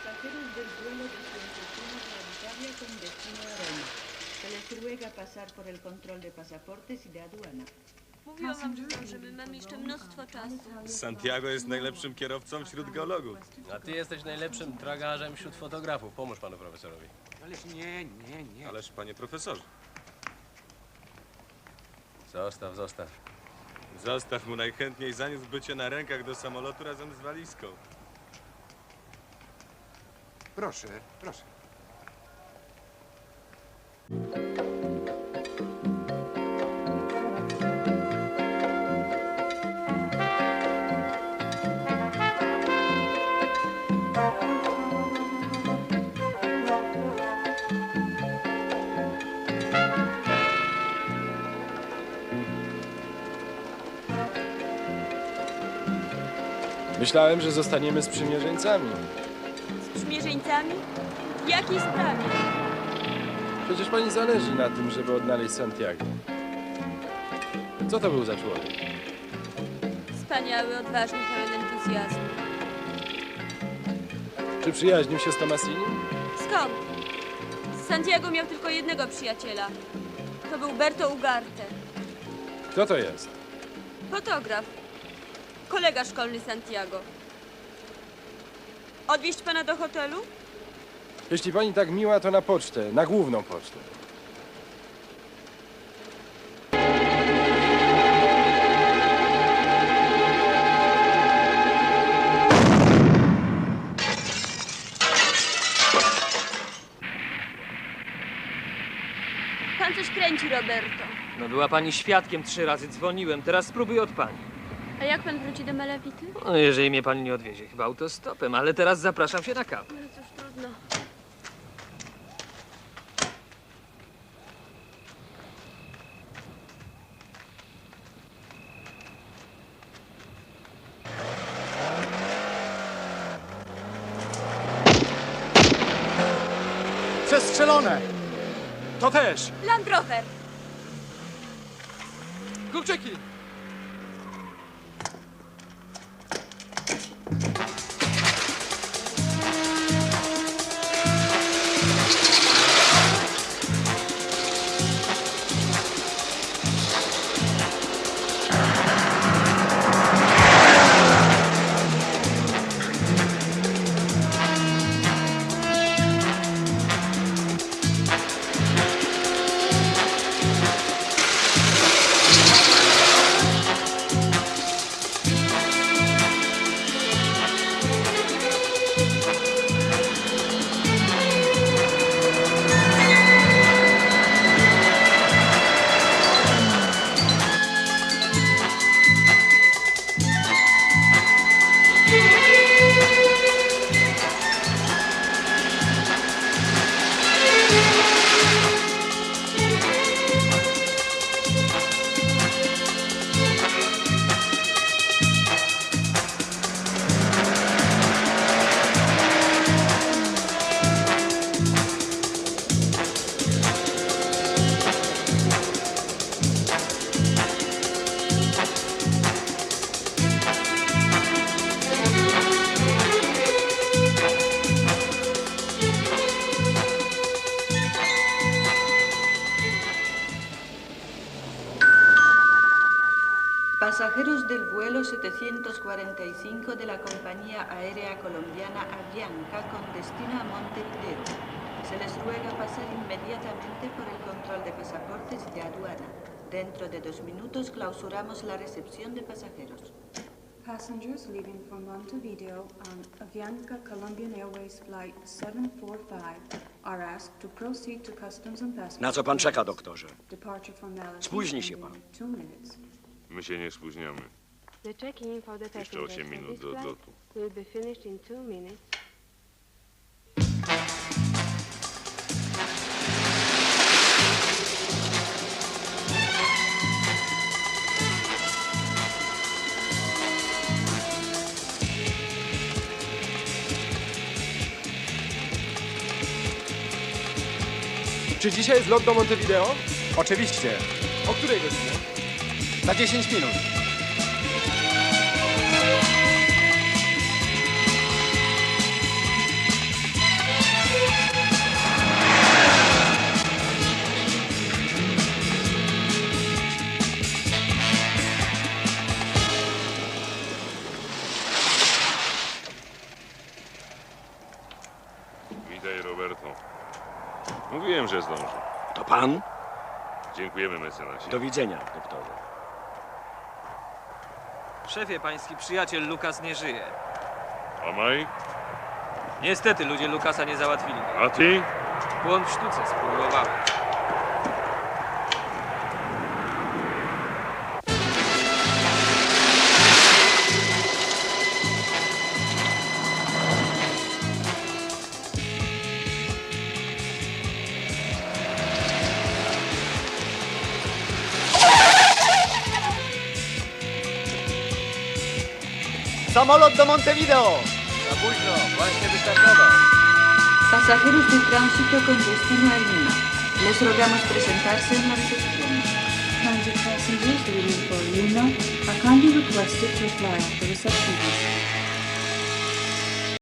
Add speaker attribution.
Speaker 1: Pasajeros del vuelo de Fuentetunas a Italia con destino a Roma. Se les ruega pasar por el control de pasaportes y de aduana.
Speaker 2: Mówiłam wam, że zdążymy. Mamy jeszcze mnóstwo czasu.
Speaker 3: Santiago jest najlepszym kierowcą wśród geologów.
Speaker 4: A ty jesteś najlepszym tragarzem wśród fotografów. Pomóż panu profesorowi.
Speaker 5: Ależ nie.
Speaker 3: Ależ, panie profesorze,
Speaker 4: Zostaw.
Speaker 3: zostaw mu, najchętniej zaniósłby cię na rękach do samolotu razem z walizką.
Speaker 5: Proszę.
Speaker 6: Myślałem, że zostaniemy sprzymierzeńcami.
Speaker 2: Sprzymierzeńcami? W jakiej sprawie?
Speaker 6: Przecież pani zależy na tym, żeby odnaleźć Santiago. Co to był za człowiek?
Speaker 2: Wspaniały, odważny, pełen entuzjazmu.
Speaker 6: Czy przyjaźnił się z Tomasini?
Speaker 2: Skąd? Santiago miał tylko jednego przyjaciela. To był Berto Ugarte.
Speaker 6: Kto to jest?
Speaker 2: Fotograf. Kolega szkolny Santiago. Odwieźć pana do hotelu?
Speaker 6: Jeśli pani tak miła, to na pocztę, na główną pocztę.
Speaker 2: Pan coś kręci, Roberto.
Speaker 7: No była pani świadkiem, 3 razy dzwoniłem, teraz spróbuj od pani.
Speaker 2: A jak pan wróci do Malawity?
Speaker 7: No, jeżeli mnie pani nie odwiezie, chyba autostopem, ale teraz zapraszam się na kawę.
Speaker 2: No cóż, trudno.
Speaker 5: Przestrzelone! To też!
Speaker 2: Land Rover!
Speaker 5: Kurczyki!
Speaker 1: Pasajeros del vuelo 745 de la compañía aérea colombiana Avianca con destino a Montevideo. Se les ruega pasar inmediatamente por el control de pasaportes y de aduana. Dentro de 2 minutos clausuramos la recepción de pasajeros.
Speaker 8: Passengers leaving from Montevideo on Avianca Colombian Airways Flight 745 are asked to proceed to Customs and Passport.
Speaker 9: Na co pan czeka, doktorze?
Speaker 8: Departure formality
Speaker 9: Spóźni się pan.
Speaker 8: in 2 minutes.
Speaker 3: My się nie spóźniamy.
Speaker 10: The check-in for the
Speaker 3: Jeszcze
Speaker 10: passengers
Speaker 3: 8
Speaker 10: on
Speaker 3: minut
Speaker 10: this
Speaker 3: do
Speaker 10: flight
Speaker 3: odlotu.
Speaker 10: will be finished in 2 minutes.
Speaker 6: Czy dzisiaj jest lot do Montevideo?
Speaker 5: Oczywiście.
Speaker 6: O której godzinie?
Speaker 5: Za 10 minut.
Speaker 9: Mówiłem, że zdążę.
Speaker 11: To pan?
Speaker 9: Dziękujemy, mecenasie.
Speaker 11: Do widzenia, doktorze.
Speaker 7: Szefie, pański przyjaciel Lukas nie żyje.
Speaker 9: A Mike?
Speaker 7: Niestety ludzie Lukasa nie załatwili.
Speaker 9: A ty?
Speaker 7: Błąd w sztuce, spróbowałem.
Speaker 5: Samolot do Montevideo!
Speaker 4: Za późno, właśnie wystartował.
Speaker 1: Pasajeros de tránsito con destino a Lima. Les rogamos presentarse en la recepción.
Speaker 8: Transit passengers leaving for Lima are kindly requested to apply at the reception desk.